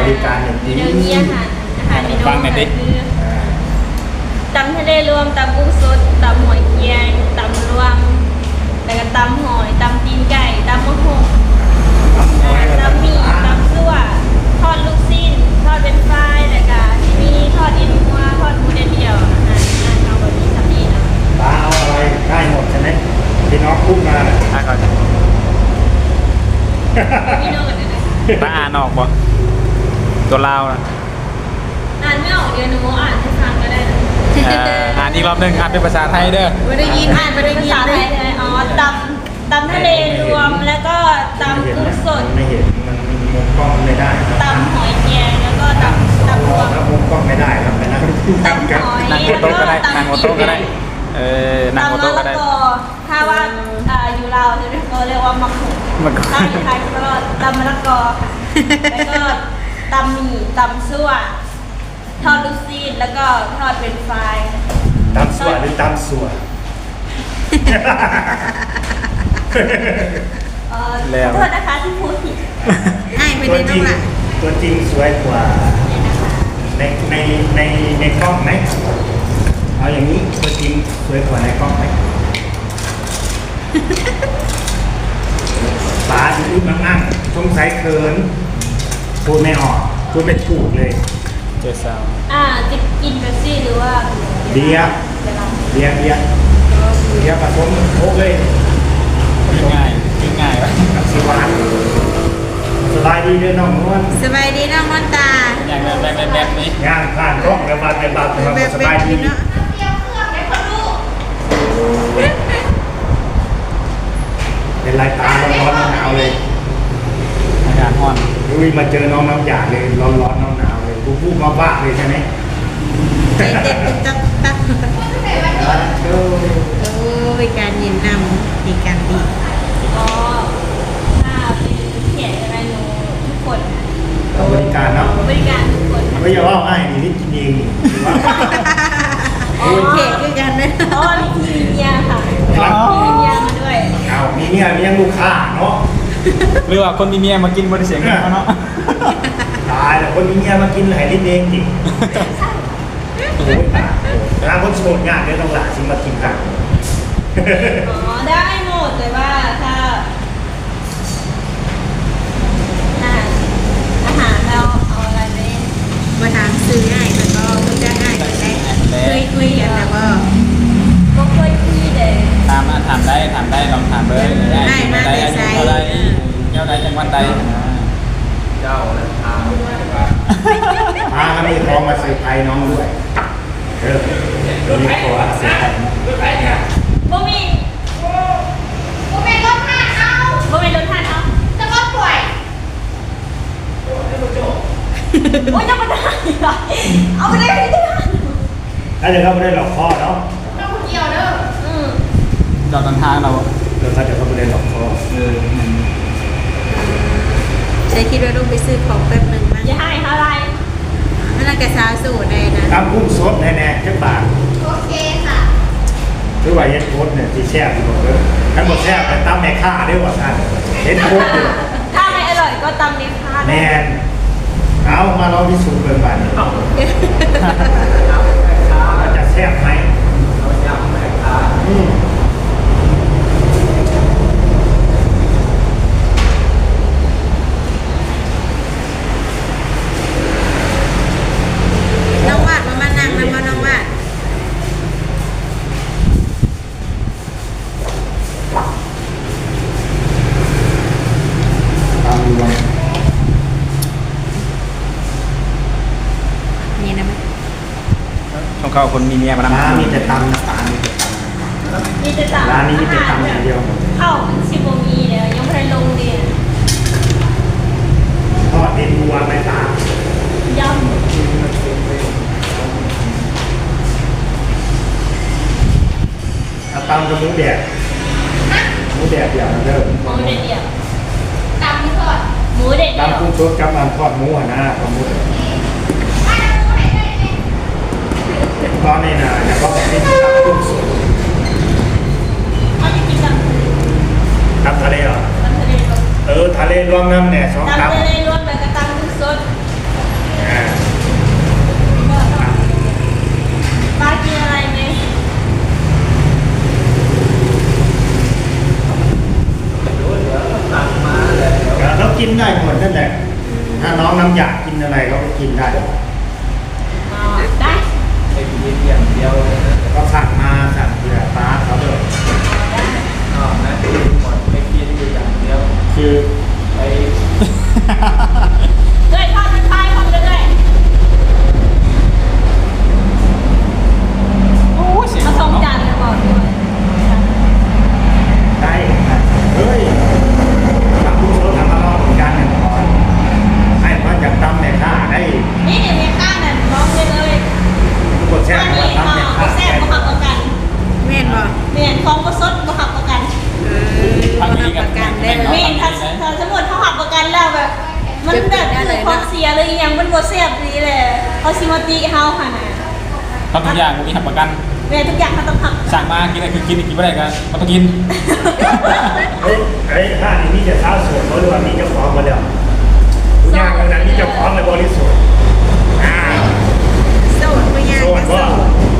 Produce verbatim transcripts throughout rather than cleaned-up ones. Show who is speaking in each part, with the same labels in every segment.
Speaker 1: ริการอย่างดี
Speaker 2: เดี๋ยวนี้อาหารอาหารเมนูคือตำทะเลรวมตำกุ้งสดตำหอยเกียงตำรวมแล้วก็ตำหอยตำตีนไก่ตำมะฮุงตำหมี่ตำซั่วทอดลูกชิ้นทอดเป็นฟรายแล้วก็ที่มีทอดอินมัวทอดหมูเดียวอาหารอาหารเอาแบบนี้ทำดีนะ
Speaker 1: ตาเอาอะไรได้หมดใช่ไหมพี่น้องพูดมา
Speaker 3: อ่ะก่อน
Speaker 2: พี่น้องกันนะ
Speaker 3: ตาอ่านออกบ่ตัวลาวนะ
Speaker 2: อ่านไม่ออกเดี๋ยวหนูอ่านให้ฟังก็ได้นะ
Speaker 3: เอ่ออ่านอีกรอบหนึงอ่านเป็นภาษาไทยเด้อ
Speaker 4: ไม่ได้ยิน
Speaker 2: อ่านเป็นภาษาไทยเลยอ๋อตำตำทะเลรวมแล้วก็ตำกุ้งสด
Speaker 1: ไม่เห็นมันมุมกล้องไม่ได้
Speaker 2: ตำหอยเกียงแล้วก็ตำตำรวม
Speaker 1: แล้วมุมกล้องไม่ได้ครับไปนั่ง
Speaker 2: ตำหอย
Speaker 3: นั่งหัวโต๊ะก็ได้นั่งหัวโต๊ะก็ได้เออนั่งหัว
Speaker 2: ตำมะ
Speaker 3: โต๊ะก็
Speaker 2: ละ
Speaker 3: ได้
Speaker 2: กอถ้าว่าอ่าอยู่ลาวจะเรียกเรียกว่ามักหุง
Speaker 3: มักหุง
Speaker 2: ถ้าอยู่ไทยก็ตำมะละกอค่ะแล้วก็ตำหมี่ตำซั่วทอดลูกซีนแล้วก็ทอดเป็นไฟราย
Speaker 1: ตำสวดหรือตำสวด
Speaker 2: เอ่อขอโทษนะคะที่พูดผิด
Speaker 4: ไอ้ไม่
Speaker 1: ตัว
Speaker 4: ได้
Speaker 1: จ
Speaker 4: น้
Speaker 1: ริ
Speaker 4: อง
Speaker 1: ง
Speaker 4: ละ
Speaker 1: ตัวจริงสวยกว่า
Speaker 2: เนี่ยนะคะ
Speaker 1: ในในในในกล้องไหมเอาอย่างนี้ตัวจริงสวยกว่าในกล้องไหมตาดูนั่งนั่งสงสัยเขินพูดไม่ออกพูดไม่ถูกเลย
Speaker 3: เจอสาว
Speaker 2: อ่าจะกินเบปซี่หรือว่า
Speaker 1: เบียร์
Speaker 2: เวลา
Speaker 1: เบียร์เบียร์เบียร์ผสมโค้กเลย
Speaker 3: ง่ายง่ายวะ
Speaker 1: กับสีหวานสบายดีเด้อน้องนวล
Speaker 4: สบายดีน้องมอนตา
Speaker 3: อย่างแบบแบบแบบแบบนี้
Speaker 1: ย่างผ่านกล้องแล้วบาดเป็นบาดเป็น
Speaker 4: แบบ
Speaker 1: ส
Speaker 4: แบบ
Speaker 1: บายดี
Speaker 4: นี้เนาะ
Speaker 1: เป็นลายตาร้อนๆหนาวๆเลย
Speaker 3: อากาศร้อน
Speaker 1: ลุยมาเจอน้องน้ำหยาดเลยร้อนร้อนๆหนาวๆเลยผู้ผู้มาบ้าเลยใช่ไหม
Speaker 4: ใจเต้นเป็นตับตับ
Speaker 1: เออ
Speaker 4: โอ้ยการเย็นนำดีการดี
Speaker 2: ก็ถ้าเป็นเขียนอะไรหนูทุกคน
Speaker 1: เอาบริการเนาะ
Speaker 2: บริการทุกคนค่ะ
Speaker 1: ไม่อย่าว่าง่ายนี่นี่กินเองนี่ถือว่า
Speaker 2: อ๋อ
Speaker 4: เขตคือกันนะ
Speaker 2: เพราะว่ามีทีมเมียค่ะ
Speaker 1: ครับ
Speaker 2: มีเมียมาด้วย
Speaker 1: เอามีเนี่ยมียังลูกค้าเนาะ
Speaker 3: หรือว่าคนมีเมียมากินบริเสียงกันเขาเนาะ
Speaker 1: ตายแล้วคนมีเนี่ยมากินไหนลิ้นเองจริงโอ้ยตายถ้าคนโสดงานเนี่ยต้องหลาชิมมากินกัน
Speaker 2: อ๋อได้หมดแต่ว่าถ้าอาหารอาหารเราเอาอะไรไป
Speaker 4: มาถามซื้อง่ายแล้วก็มันจะง่ายแต่เคยคุยกันแล้วก็
Speaker 2: ก็เคยคุยเด็ก
Speaker 3: ถามมาถามได้ถามได้ลองถามเลยได้ได้ได้อายุเท่าไรเท่าไรจังหวัดใด
Speaker 1: เจ้าแล้วพาพากันมีของมาเซอร์ไพรส์น้องด้วยเออมีของมาเซอร์ไพรส์
Speaker 2: บ่มี
Speaker 5: ผมเป็นรถห้าเอา
Speaker 2: บ่มีรถทานเอา
Speaker 5: จะรถป่วย
Speaker 2: โอ้ยจะมาได้เหรอเอาไปได้ไม่ได้
Speaker 1: ถ้าจะเข้าไม่ได้หลอกพ่อเนาะ
Speaker 5: ต้องคนเดียวเด้อ
Speaker 2: อืม
Speaker 3: จอดทางทางเรา
Speaker 1: เดี๋ยวถ้าจะเข้าไม่ได้หลอกพ่อ
Speaker 3: เออ
Speaker 4: ใช้คิดว่าต้องไปซื้อของแป๊บหนึ่งมั้ง
Speaker 2: อย่าให้เท่าไร
Speaker 4: นั่นนะแกสาวสูตรเลยนะ
Speaker 1: ตำกุ้งสดแน่ๆแค่บาท
Speaker 5: โอเคค่ะ
Speaker 1: หรือว่าเฮ็ดโค้ดเนี่ยที่แซ่บอยู่เด้อทั้งหมดแซ่บแต่ตำแม่ค้าเด้อว่าท่านเฮ็ดโค้ดอยู่
Speaker 2: ถ้าไม่อร่อยก็ตำเล็กพา
Speaker 1: แน่นเอามาลองพิสูจน์เบิ่งบัดนี้ว่าจะแซ่บไหมอืม
Speaker 4: น้องวาดมามานั่งนะมาน้องวาด
Speaker 1: ตามดูว่า
Speaker 4: นี่นะมั้ย
Speaker 3: ต้องเข้าคนมีเมียมา
Speaker 1: ร้าน
Speaker 3: นำ
Speaker 1: มีแต่ตำนะร้านมีแต่ต
Speaker 2: มีแต่ตำ
Speaker 1: ำร้านนี้มีแต่ตำอย่างเดียว
Speaker 2: เข้าชิโบมีเดี๋ยวยังไม่ได้ลงเรียน
Speaker 1: ทอดเอ็นวัวไม่ตาม
Speaker 2: ยำ
Speaker 1: เอาตำกับหมูแดดหมูแดดอย่างเดิม
Speaker 2: หมูเด็ดเดียว
Speaker 5: ตำไม่ทอด
Speaker 2: หมูเด็ดเดียว
Speaker 1: ตำกุ้งสดกับมันทอดหมูอะนะทอดหมู
Speaker 5: ไม่ต้องไหนได้ไหม
Speaker 1: ตอนนี้นะอยากก็แบบนี้ตำกุ้งสด
Speaker 2: เขาจะกินตำ
Speaker 1: ตำทะเลเหรอ
Speaker 2: ตำทะเลรวม
Speaker 1: เออทะเลรวมน้ำเนี่ยสอง
Speaker 2: ตำ
Speaker 1: ตำ
Speaker 2: ทะเลรวมแล้วก็ตำกุ้งสด
Speaker 1: อน้องน้ำอยากกินอะไรเขาก็กินได้
Speaker 2: อ๋อได้
Speaker 3: ไปกินเดียวเดียว
Speaker 1: ก็สั่งมาสั่งเผื่อป้าเขาด้วย
Speaker 2: ได้
Speaker 3: อ๋อนะคือหมดไปกินอยู่อย่างเดียว
Speaker 1: คือ
Speaker 3: ไป
Speaker 2: เลยทอดเป็นปลายของเลย
Speaker 3: โอ้เสียง
Speaker 2: มาส่งจานเลยบอกด้วย
Speaker 1: ได้เฮ้ยทำผู้ชมทำมาลองเหมือนกันเนี่ยก่อนให้มันอยากตำเนี่ยข้าได้
Speaker 2: นี่เดี๋ยวมีข้าวนั่นร้องเลยเลย
Speaker 1: ทุกคนแช่ว่าตำเนี่ยข้า
Speaker 2: แซ่บบ่หักประกัน
Speaker 4: แม่นบ่
Speaker 2: เมียนของก็สดบ่หักประกัน
Speaker 4: เออรับประกันได้เล
Speaker 2: เมี
Speaker 4: ย
Speaker 2: ยนถ้าถ้าสมมติเขาหักประกันแล้วแบบ มันแบบคือของเสียเลยยังมันบ่แซ่บดีเลยเขาสิมาตีเฮาค่ะนะ
Speaker 3: ทำทุกอย่างมีหักประกัน
Speaker 2: เมียนทุกอย่างเขาต้องหัก
Speaker 3: สั่งมากินอะไรคือกินกินไม่ได้กันมันต้องกิน
Speaker 1: เฮ้ยเฮ้ยถ้านี่มีจะเท้าสวนเขาหรือว่ามีเจ้าของมาแล้วผู้ย่างตรงนั้นมีเจ้าของเลยบริสุทธิ์อ่า
Speaker 4: โสดบ่ยาก
Speaker 1: โสด
Speaker 4: ก็โส
Speaker 1: ว่า
Speaker 4: ด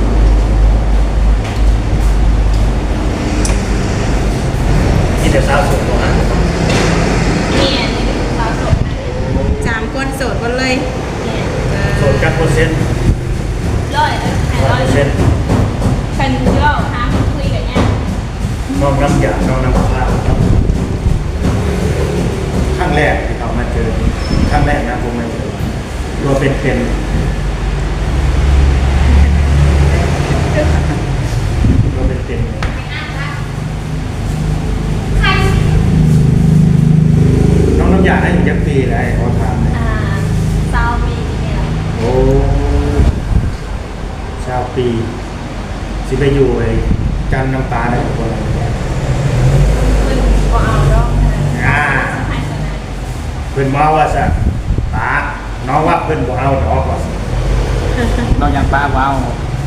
Speaker 1: มีแต่สาวสวยตัวนั้น
Speaker 2: เมียนนี่คือสาวโสดนะ
Speaker 4: สามคนโสดหมดเลย
Speaker 2: เมียน
Speaker 4: เอ
Speaker 1: โส
Speaker 4: อ
Speaker 1: ดกันเปอร์เซ็นต์
Speaker 2: ร้อยเลยให้
Speaker 1: ร้
Speaker 2: ร้
Speaker 1: อ
Speaker 2: อย ย
Speaker 1: เปอร์เซ็นต์
Speaker 2: คันที่ว่าหาคนคุยกันเนี่ย
Speaker 1: น้องน้ำหยาดน้องน้ำข้าวครับครั้งแรกที่เขามาเจอครั้งแรกนะผมมาเจอตัวเป็นเป็นตัวเป็นเป็นน้องน้ำหยาดได้ถึงยักปีแล้วเขาถามเนี่ย
Speaker 2: อ่าซาวมีเนี่ย
Speaker 1: โอ้ชาวปีสิไปอยู่ไอ้กันน้ำตาได้กับคนอะไรเนี่ย
Speaker 2: ขึ้นบ่เอาดอกนะ
Speaker 1: อ่า
Speaker 2: ให้สนาน
Speaker 1: เพื่อนมาว่าสัตาน้องว่าเพื่อนบ่เอาดอกว่าสิ
Speaker 3: เรายังป้าว้าว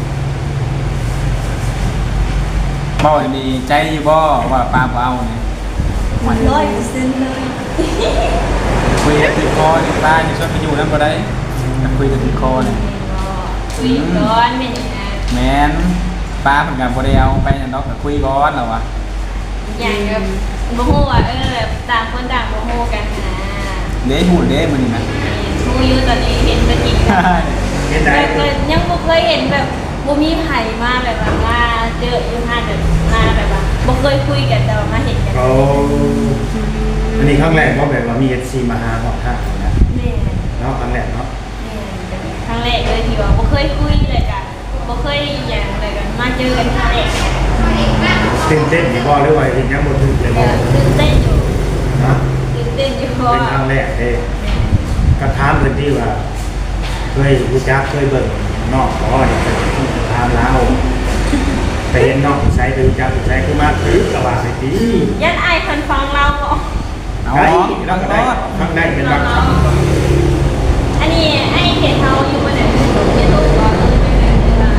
Speaker 3: บ่ดีใจอยู่บ่ว่าป้าว้าวเนี่ย
Speaker 2: มันร้อยเปอร์เซ็นต์เลย
Speaker 3: คุยกันติดคอเนี่ยป้าจะชวนไปอยู่นั่นก็ได้คุยกันติดคอเนี่ย
Speaker 2: คุยก่อนเป็นยังไง
Speaker 3: แมนป้าเหมือนกันพอได้เอาไปนั่นเนาะก็คุยก่อนแล้ววะ
Speaker 2: อย่างแบบโมโหอ่ะเออแบบต่างคนต่างโมโหกันนะ
Speaker 3: เด้หูเด้มันนี่นะ
Speaker 2: โมอยู่ตอนนี้เห็นเป็นจริงแบบ
Speaker 1: เห็นไหน
Speaker 2: ยังบ่เคยเห็นแบบบ่มีไผ่มาแบบว่ามาเจออยู่ห้าแบบมาแบบว่าบ่เคยคุยกันแต่ว่ามาเห็นกัน
Speaker 1: เขาอันนี้ครั้งแรกว่าแบบว่ามีเอฟซีมาหาหอดท่านะ
Speaker 2: แม่
Speaker 1: เนาะครั้งแรกเนาะ
Speaker 2: แม่ครั้งแรกเลยที่ว่าบ่เคยคุยเลยกันบ่เคยอย่างอะไรกันมาเจอกันครั้งแรก
Speaker 1: ตื่นเต้นอยู่บ่หรือว่าเห็นยังบ่ถึงเลย
Speaker 2: เอ
Speaker 1: บ่
Speaker 2: อตื่นเต้นอยู่
Speaker 1: เนาะ
Speaker 2: ตื่นเต้นอยู่เพ
Speaker 1: เป็น
Speaker 2: ราะ
Speaker 1: ครั้งแรกเด้ก็ถามเพิ่นที่ว่าเคยรู้จักเคยเบิ่งนอกบ่เนี่ยถามเราไปเห็นนอกใช้ไปรู้จักใช้คือมาถือกะว่าไปดี
Speaker 2: ยันไอ้คนฟังเราบอก
Speaker 3: เอา
Speaker 1: ได้
Speaker 3: เนาะ
Speaker 1: แล้วก็ได้ครั้งได้เป็นบางค
Speaker 2: เรา
Speaker 1: รั้ง
Speaker 2: อันนี้ไอ้เห็นเขาอยู่บนไหนเห็นรูปก่อนเลยไม่ได้เลยว่า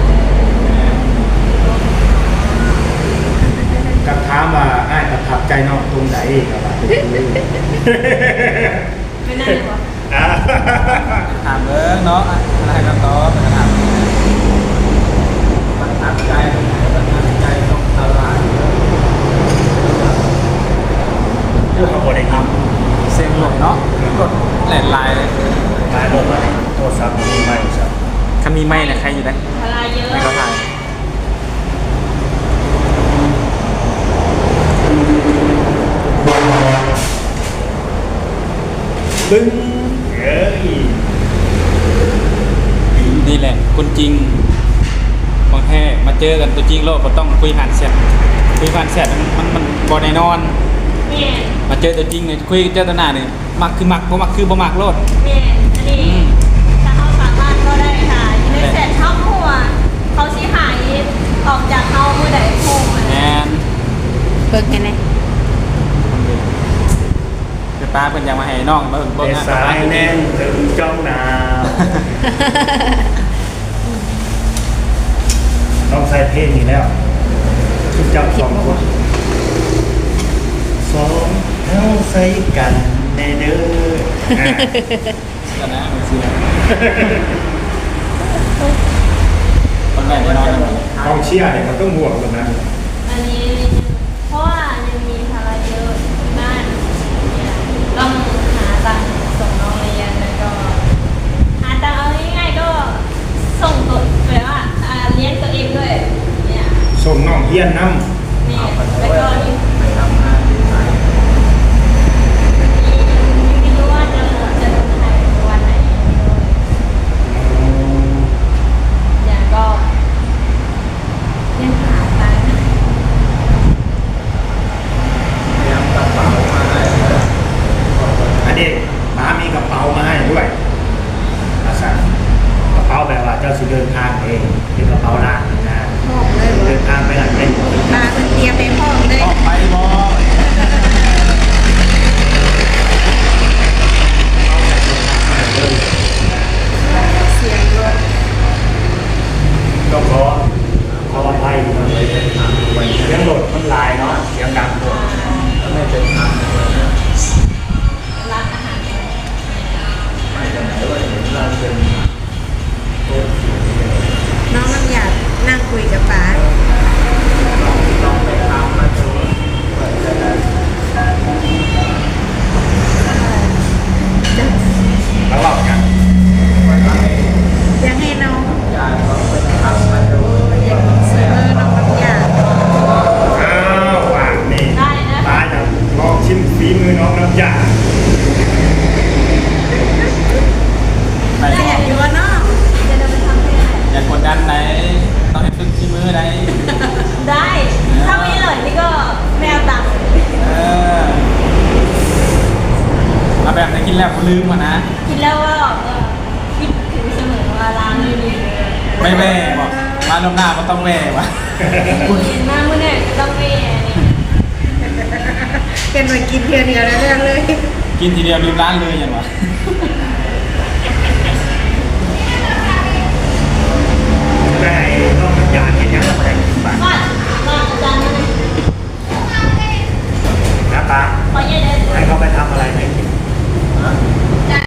Speaker 1: กับถามว่าอ้ายประทับใจน้องตรงไหนก็ว่าเป็นดี
Speaker 2: ไม่น่าเลยว่ะ
Speaker 1: อ่า
Speaker 3: ถามเบิ้งเนาะอะไรกันต่อเป็นถามประทับใจประทับใจต้องทำร้าน
Speaker 1: เรื่องเขาบ่ได้ท
Speaker 3: เซ็งหลดเนาะกดแหลนลายเลย
Speaker 1: ำหลายรถมาโทรศัพท์มีไหมครับ
Speaker 3: คันมีไม่เนี่ยใครอยู่ได้
Speaker 2: พลายเยอะ
Speaker 3: ให้เขาถ่าย
Speaker 1: บึ้งเอ้ย
Speaker 3: นี่แหละคนจริงบางแท้มาเจอกันตัวจริงโลกก็ต้องคุยผ่านแชทคุยผ่านแชทมันมันมันบอแน่นอน
Speaker 2: เนี่ย
Speaker 3: มาเจอตัวจริงเนี่ยคุยเจอตัวหน้าเนี่ยมักคือมักบ่มักคือบ่มักโลด
Speaker 2: เนี่ยอันนี้ถ้าเขาสามารถก็ได้ค่ะอยู่ในแสนช่องหัวเขาชี้หายออกจากเขาเมื่อใดโค้งอะ
Speaker 3: แอ
Speaker 2: นะ
Speaker 3: น
Speaker 4: เบิกให้ไหน
Speaker 3: คือป้าเป็นยังมาให้น้องมาเบิ่ง
Speaker 1: เด็
Speaker 3: งาน
Speaker 1: สายแน่นถึงจ้องหนาวต้องใส่เพลงนี้แล้วทุกเจ้าสองคนสองเท้าใส่กันในเด้ออ่ะ
Speaker 3: กันนะมันสิคนแม่นอนนะ
Speaker 1: กองเชียร์เนี่ยมันต้องห่วงตรงนั้น
Speaker 2: อันนี้เพราะว่ายังมีภาระเยอะที่บ้านเนี่ยต้องหาตังค์ส่งน้องเรียนแล้วก็
Speaker 1: ส่งน้องเฮียนน้
Speaker 2: นี่แล้วก็มี
Speaker 3: ไปทำงานที่ไหน
Speaker 2: ไม่รู้ว่าจะจะลงถ่ายวันไหน
Speaker 1: ำ
Speaker 2: อย่างก็ยังหาตังค์
Speaker 3: เตรียมกระเป๋ามาให้เลย
Speaker 1: อันนี้ป้ามีกระเป๋ามาให้ด้วยอาสากระเป๋าแบบว่าเจ้าสิเดินทางเองเป็นกระเป๋าล่างนะ
Speaker 4: พร้อมเลย
Speaker 1: เดินทางไปไหนเป็น
Speaker 4: ปลาเป็นเตรียมไปพร้อมเลย
Speaker 3: ออกไปบ่
Speaker 4: เสียงรถ
Speaker 1: ก็ขอขออภัยนะเสียงโหลดมันลายเนาะเสียงดังด้วย
Speaker 3: ไม่เป็นทางเลยนะ
Speaker 2: ร้านอาหาร
Speaker 3: ไม่จะไหนว่าเห็นเราเป็นโต๊ะ
Speaker 4: น้องน้ำอยากนั่งคุยกับป๋า
Speaker 3: ต้องไปทำมาดูเปิดจะได้
Speaker 1: แล้วบอกกัน
Speaker 3: วันไหน
Speaker 4: อยากให้น้อง
Speaker 3: ยายก็ไปทำมาดู
Speaker 4: อยากซื้อน้องน้ำอยาก
Speaker 1: อ้าวว่างนี่
Speaker 2: ได้นะ
Speaker 1: ป้าจะลองชิมฝีมือน้องน้ำยา
Speaker 3: ไป
Speaker 4: แซ่บอยู่วะเนาะ
Speaker 2: จะเดินไปทำที่ไหน
Speaker 3: อย่ากดดันไหนต้องให้ฝึกที่มือไหน
Speaker 2: ได้ ถ้าไม่อร่อยนี่ก็ไม่เอาตังค์
Speaker 3: เออเอาแบบไหนกินแล้วก็ลืมอ่ะนะ
Speaker 2: กินแล้วก็เออคิดถึงเสมอว่าร้านนี้ดี
Speaker 3: ไม่แว่บอกมาลมหน้าก็ต้องแว่วะ
Speaker 2: กินมากเมื่อเนี่ยต้องเม่นี่
Speaker 4: เป็นมากินเพียวเดียวแล้วเรื่องเลย
Speaker 3: กินทีเดียวลืมร้านเลยอย่างวะ
Speaker 1: ได้น้องน้ำยาเห็นยังไงบ้าง
Speaker 2: ก่อนมาอาจารย์มาเลย
Speaker 1: นะป้า
Speaker 2: ขอเย็นเลย
Speaker 1: ให้เขาไปทำอะไรไหนกิน
Speaker 5: จาน